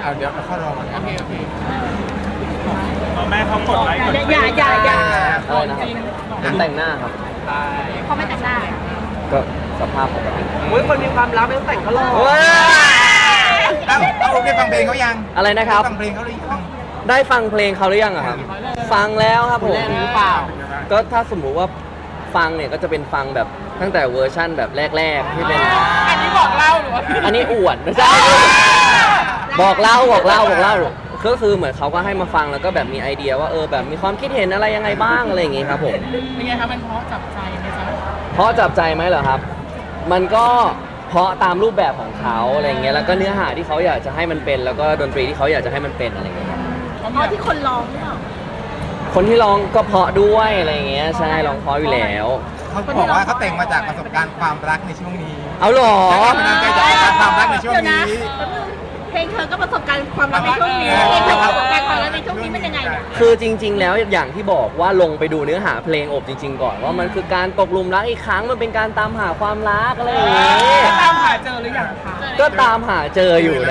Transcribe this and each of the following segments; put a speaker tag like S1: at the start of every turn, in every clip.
S1: เอาเดี๋ยวเราเข้ารอก่อน
S2: โอเคโอเค
S3: แม่เขากดไลค์กด
S4: อย่า
S5: อะไรนะครับผมแต่งหน้าครับ
S4: เขาไม่แต่งหน้า
S5: ก็สภาพปกติ
S2: คนมีความรักไม่ต้องแต่งก็หล่อ
S1: แล้วเอาได้ฟังเพลงเขายัง
S5: อะไรนะครับ
S1: ฟังเพลงเขาหรือยัง
S5: ได้ฟังเพลงเขาหรือยังอะครับ ฟังแล้วครับผม
S2: หรือเปล่า
S5: ก็ถ้าสมมุติว่าฟังเนี่ยก็จะเป็นฟังแบบตั้งแต่เวอร์ชั่นแบบแรกๆที่เป็น
S2: อันนี้บอกเล่าหรือว่า
S5: อันนี้อวดไม่ใช่บอกเล่าก็คือเหมือนเขาก็ให้มาฟังแล้วก็แบบมีไอเดียว่าแบบมีความคิดเห็นอะไรยังไงบ้างอะไรอย่างงี้ครับผม
S2: เป็นไงครับมันเพราะจับใจไหมจ๊ะ
S5: เพราะจับใจไหมเหรอครับ มันก็เพราะตามรูปแบบของเขาอะไรเงี้ยแล้วก็เนื้อหาที่เขาอยากจะให้มันเป็น แล้วก็ดนตรีที่เขาอยากจะให้มันเป็นอะไรเงี้ยครับ
S4: เพราะที่คนร้องหรือเปล่า
S5: คนที่ร้องก็เพราะด้วยอะไรเงี้ยใช่ร้องเพราะอยู่แล้ว
S1: เขาบอกว่าเขาแต่งมาจากประสบการณ์ความรักในช่วงนี้
S5: เอาเหรอ
S1: แล้วก็มันใจจากความรักในช่วงนี้
S4: เพลงเธอก็ประสบการณ์ความรักในช่วงนี้เพลงเธอก็ประสบการณ์ความรักในช่วงนี้เป็นยังไงเนี่ย
S5: คือจริง ๆ แล้วอย่างที่บอกว่าลงไปดูเนื้อหาเพลงอบจริง ๆ ก่อนว่ามันคือการตกหลุมรักอีกครั้งมันเป็นการตามหาความรักอะไรอย่างเงี้ย
S2: ตามหาเจอหรือยังคะ
S5: ก็ตามหาเจออยู่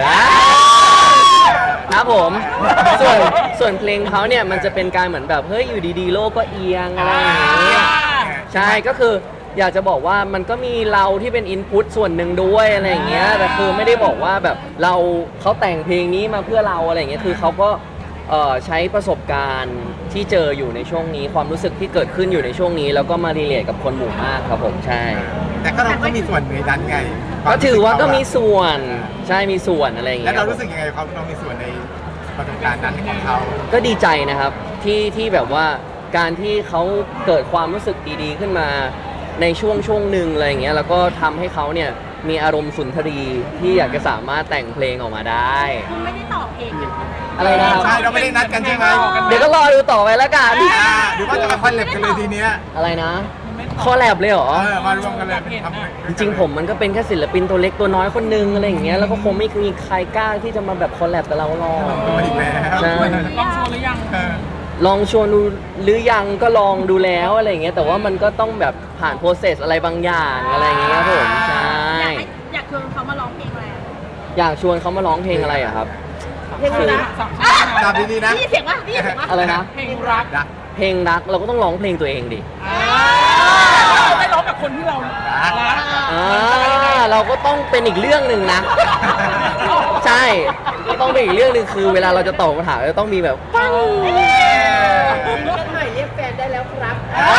S5: นะครับผมส่วนเพลงเขาเนี่ยมันจะเป็นการเหมือนแบบเฮ้ยอยู่ดีๆโลกก็เอียงอะไรอย่างเงี้ยใช่ก็คืออยากจะบอกว่ามันก็มีเราที่เป็นอินพุตส่วนหนึ่งด้วยอะไรอย่างเงี้ยแต่คือไม่ได้บอกว่าแบบเขาแต่งเพลงนี้มาเพื่อเราอะไรอย่างเงี้ยคือเขาก็ใช้ประสบการณ์ที่เจออยู่ในช่วงนี้ความรู้สึกที่เกิดขึ้นอยู่ในช่วงนี้แล้วก็มารีเลทกับคนหมู่มากครับผมใช่
S1: แต่ก็เราก็มีส่วนในนั้นไง
S5: ก็ถือว่าก็มีส่วนใช่มีส่วนอะไรอย่าง
S1: แล้
S5: เงี้
S1: วย เรารู้สึกยังไงเขาเรามีส่วนในประสบการณ์นั้นของเขา
S5: ก็ดีใจนะครับที่แบบว่าการที่เขาเกิดความรู้สึกดีๆขึ้นมาในช่วงหนึ่งอะไรอย่างเงี้ยแล้วก็ทำให้เขาเนี่ยมีอารมณ์สุนทรีที่อยากจะสามารถแต่งเพลงออกมาได้
S4: คุณไม่ได้ตอบเองอย่างนั้น
S5: อะไรนะครับ
S1: ใช่เราไม่ได้นัดกันใช่ไหม
S5: เดี๋ยวก็รอดูต่อไปแล้วกัน
S1: หรือว่าจะมาคอนเล็บกันเลยทีเนี้ย
S5: อะไรนะคอแลบเลยเหรอ
S1: มารวมกันเลยทำ
S5: จริงๆผมมันก็เป็นแค่ศิลปินตัวเล็กตัวน้อยคนนึงอะไรอย่างเงี้ยแล้วก็คงไม่มีใครกล้าที่จะมาแบบคอลแลบกับเราหรอก
S1: ตัวอีกแล้ว
S5: ใช่
S2: ลองชวนหรือยัง
S5: ลองชวนดูหรือยังก็ลองดูแล้วอะไรอย่างเงี้ยแต่ว่ามันก็ต้องแบบผ่านโปรเซสอะไรบางอย่างอะไรอย่างเงี้ยครับผมใช่
S4: อยากชวนเขามาร้องเพลงอะไร
S5: อยากชวนเขามาร้องเพลงอะไรอะครับ
S4: เพลงอะไร
S1: ตามดีๆนะ
S4: นี่เสียงว่านี่เสียงว่า
S5: อะไรนะ
S2: เพลงรัก
S1: นะ
S5: เพลงรักเราก็ต้องร้องเพลงตัวเองดิ
S2: ไม่ร้องกับคนที่เรารัก
S5: เราก็ต้องเป็นอีกเรื่องหนึ่งนะ ใช่ก็ต้องเป็นอีกเรื่องหนึ่งคือ เวลาเราจะตอบคำถามจะต้องมีแบบปัง
S4: ใหม่เรียกแฟนได้แล้วครับ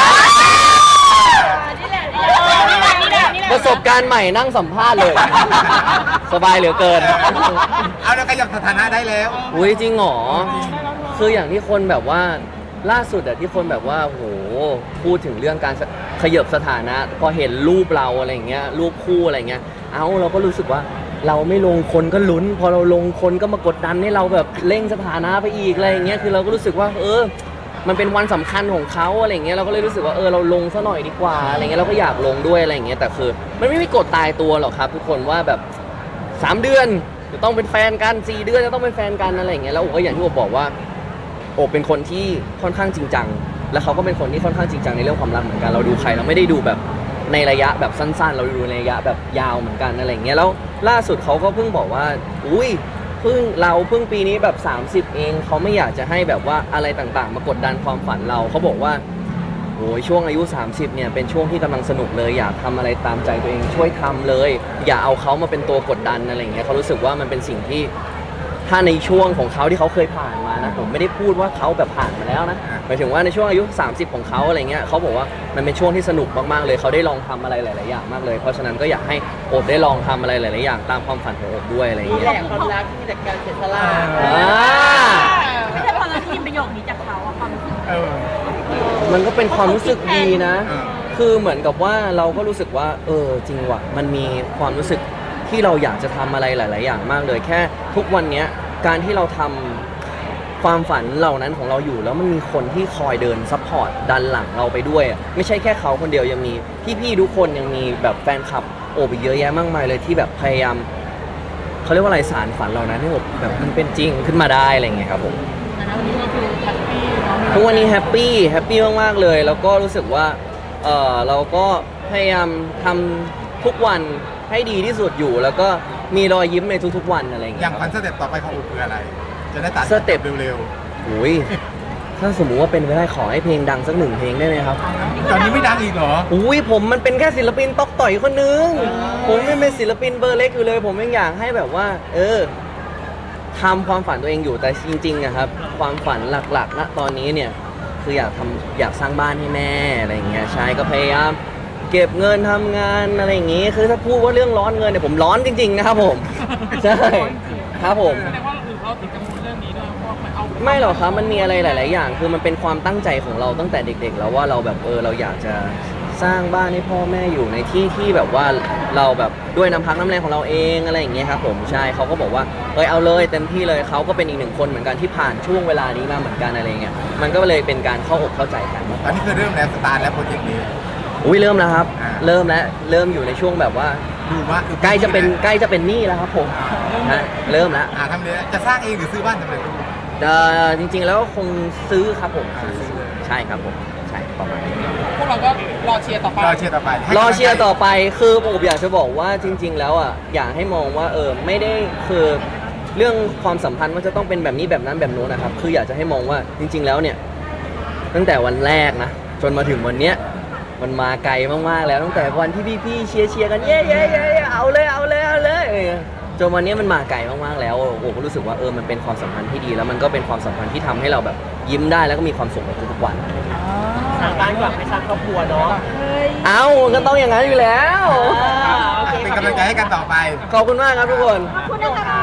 S4: นี่แหละ
S5: ประสบการณ์ใหม่นั่งสัมภาษณ์เลย สบายเหลือเกิน
S1: เอาแล้วขยับสถานะได้แล้ว
S5: อุ้ยจริงเหรอคืออย่างที่คนแบบว่าล่าสุดอะที่คนแบบว่าโหพูดถึงเรื่องการขยับสถานะ พอเห็นรูปเราอะไรเงี้ยรูปคู่อะไรเงี้ยเราก็รู้สึกว่าเราไม่ลงคนก็ลุ้น พอเราลงคนก็มากดดันให้เราแบบเร่งสถานะไปอีกอะไรเงี้ยคือเราก็รู้สึกว่ามันเป็นวันสำคัญของเขาอะไรเงี้ยเราก็เลยรู้สึกว่าเราลงซะหน่อยดีกว่าอะไรเงี้ยเราก็อยากลงด้วยอะไรเงี้ยแต่คือมันไม่มีกฎตายตัวหรอกครับทุกคนว่าแบบ3 เดือนจะต้องเป็นแฟนกัน4 เดือนจะต้องเป็นแฟนกันอะไรเงี้ยแล้วก็อย่างที่ผมบอกว่าโอบเป็นคนที่ค่อนข้างจริงจังแล้วเขาก็เป็นคนที่ค่อนข้างจริงจังในเรื่องความรักเหมือนกันเราดูใครเราไม่ได้ดูแบบในระยะแบบสั้นๆ เราดูในระยะแบบยาวเหมือนกันอะไรเงี้ยแล้วล่าสุดเขาก็เพิ่งบอกว่าอุ้ยเพิ่งปีนี้แบบ30เองเขาไม่อยากจะให้แบบว่าอะไรต่างๆมากดดันความฝันเราเขาบอกว่าโอ้ยช่วงอายุ30เนี่ยเป็นช่วงที่กำลังสนุกเลยอยากทำอะไรตามใจตัวเองช่วยทำเลยอย่าเอาเขามาเป็นตัวกดดันอะไรเงี้ยเขารู้สึกว่ามันเป็นสิ่งที่ถ้าในช่วงของเขาที่เขาเคยผ่านมานะผมไม่ได้พูดว่าเขาแบบผ่านมาแล้วนะหมายถึงว่าในช่วงอายุ30ของเขาอะไรเงี้ยเขาบอกว่ามันเป็นช่วงที่สนุกมากๆเลยเขาได้ลองทำอะไรหลายๆอย่างมากเลยเพราะฉะนั้นก็อยากให้โอบได้ลองทำอะไรหลายๆอย่างตามความฝันของโอบด้วยอะไรเงี้ย
S4: ความรักที่จากการเสียสละไม่ใช่พอเราได้ยินประโยคนี้จากเขาอะความรู้สึก
S5: มันก็เป็นความรู้สึกดีนะ คือเหมือนกับว่าเราก็รู้สึกว่าจริงว่ะมันมีความรู้สึกที่เราอยากจะทำอะไรหลายๆอย่างมากเลยแค่ทุกวันเนี้ยการที่เราทำความฝันเหล่านั้นของเราอยู่แล้วมันมีคนที่คอยเดินซัพพอร์ตดันหลังเราไปด้วยไม่ใช่แค่เขาคนเดียวยังมีพี่ๆทุกคนยังมีแบบแฟนคลับโอบอีกเยอะแยะมากมายเลยที่แบบพยายามเขาเรียกว่าอะไรสารฝันเหล่านั้นให้แบบมันเป็นจริงขึ้นมาได้อะไรอย่างเงี้ยครับผม
S2: แต่วันนี้ก็คือแฮปปี้
S5: ทุกวันนี้แฮปปี้มากๆเลยแล้วก็รู้สึกว่าเราก็พยายามทำทุกวันให้ดีที่สุดอยู่แล้วก็มีรอยยิ้มในทุกๆวันอะไรอย่าง
S1: อ
S5: เงี้
S1: ย่าย งคอนเสิร์ตต่อไปของอูคืออะไร จะได้ตัด
S5: สเต็ป
S1: เร็ว
S5: โอ้ยถ้าสมมุติว่าเป็นไปได้ขอให้เพลงดังสักหนึ่งเพลงได้ไหมครับ
S1: ๆตอนนี้ไม่ดังอีกเหรอ
S5: อุ้ยผมมันเป็นแค่ศิลปินตอกต่อยคนนึง ผมไม่เป็นศิลปินเบอร์เล็กอยู่เลย ผมยังอยากให้แบบว่า ทำความฝันตัวเองอยู่แต่จริงๆอะครับ ความฝันหลักๆณตอนนี้เนี่ยคืออยากสร้างบ้านให้แม่อะไรอย่างเงี้ยใช่ก็พยายามเก็บเงินทำงานอะไรอย่างงี้คือถ้าพูดว่าเรื่องร้อนเงินเนี่ยผมร้อนจริงๆนะครับผมใช่ครับผม
S2: แสดงว่าเราติดกังวลเรื่องนี้ด้วยเพราะมันเอา
S5: ไม่หรอกครับมันมีอะไรหลาย ๆ อย่าง คือมันเป็นความตั้งใจของเราตั้งแต่เด็ก ๆ แล้วว่าเราแบบเราอยากจะสร้างบ้านให้พ่อแม่อยู่ในที่ที่แบบว่าเราแบบด้วยน้ำพักน้ำแรงของเราเองอะไรอย่างเงี้ยครับผมใช่เขาก็บอกว่าเอาเลยเต็มที่เลยเขาก็เป็นอีกหนึ่งคนเหมือนกันที่ผ่านช่วงเวลานี้มาเหมือนกันอะไรเงี้ยมันก็เลยเป็นการเข้าอกเข้าใจกัน
S1: ตอนนี้คือเริ่มแล้วสตาร์ทแล้วโปรเจกต์นี้
S5: อุ้ยเริ่มแล้วครับ
S1: อ่า
S5: เริ่มแล้วเริ่มอยู่ในช่วงแบบว่า
S1: ดูว่า
S5: ใกล้จะเป็นหนี้แล้วครับผมฮะเริ่มแล้ว
S1: ทำเลยจะสร้างเองหรือซื้อบ้านสำเร็จรูป
S5: จริง ๆ แล้วคงซื้อครับผม
S1: ซื้อเลย
S5: ใช่ครับผมใช่ประมาณนี้
S2: พวกเราก็รอเชียร์ต่อไป
S1: รอเชียร์ต่อไปให้
S5: รอเชียร์ต่อไปคือผมอยากจะบอกว่าจริง ๆ แล้วอ่ะอยากให้มองว่าไม่ได้คือเรื่องความสัมพันธ์ว่าจะต้องเป็นแบบนี้แบบนั้นแบบโน้นนะครับคืออยากจะให้มองว่าจริง ๆ แล้วเนี่ยตั้งแต่วันแรกนะจนมาถึงวันเนี้ยมันมาไกลมากๆแล้วตั้งแต่วันที่พี่ๆเชียร์กันเย้เอาเลยจนวันนี้มันมาไกลมากๆแล้วโอ้ก็รู้สึกว่ามันเป็นความสัมพันธ์ที่ดีแล้วมันก็เป็นความสัมพันธ์ที่ทำให้เราแบบยิ้มได้แล้วก็มีความสุขในทุกๆวัน
S2: สร้างบ้านกลับไปสร้างครอบครัวเนาะ
S5: เอ้าก็ต้องอย่างนั้นอยู่แล้ว
S1: เป็นกำลังใจให้กันต่อไป
S5: ขอบคุณมากครับทุกคน
S4: ขอบคุณนะคะ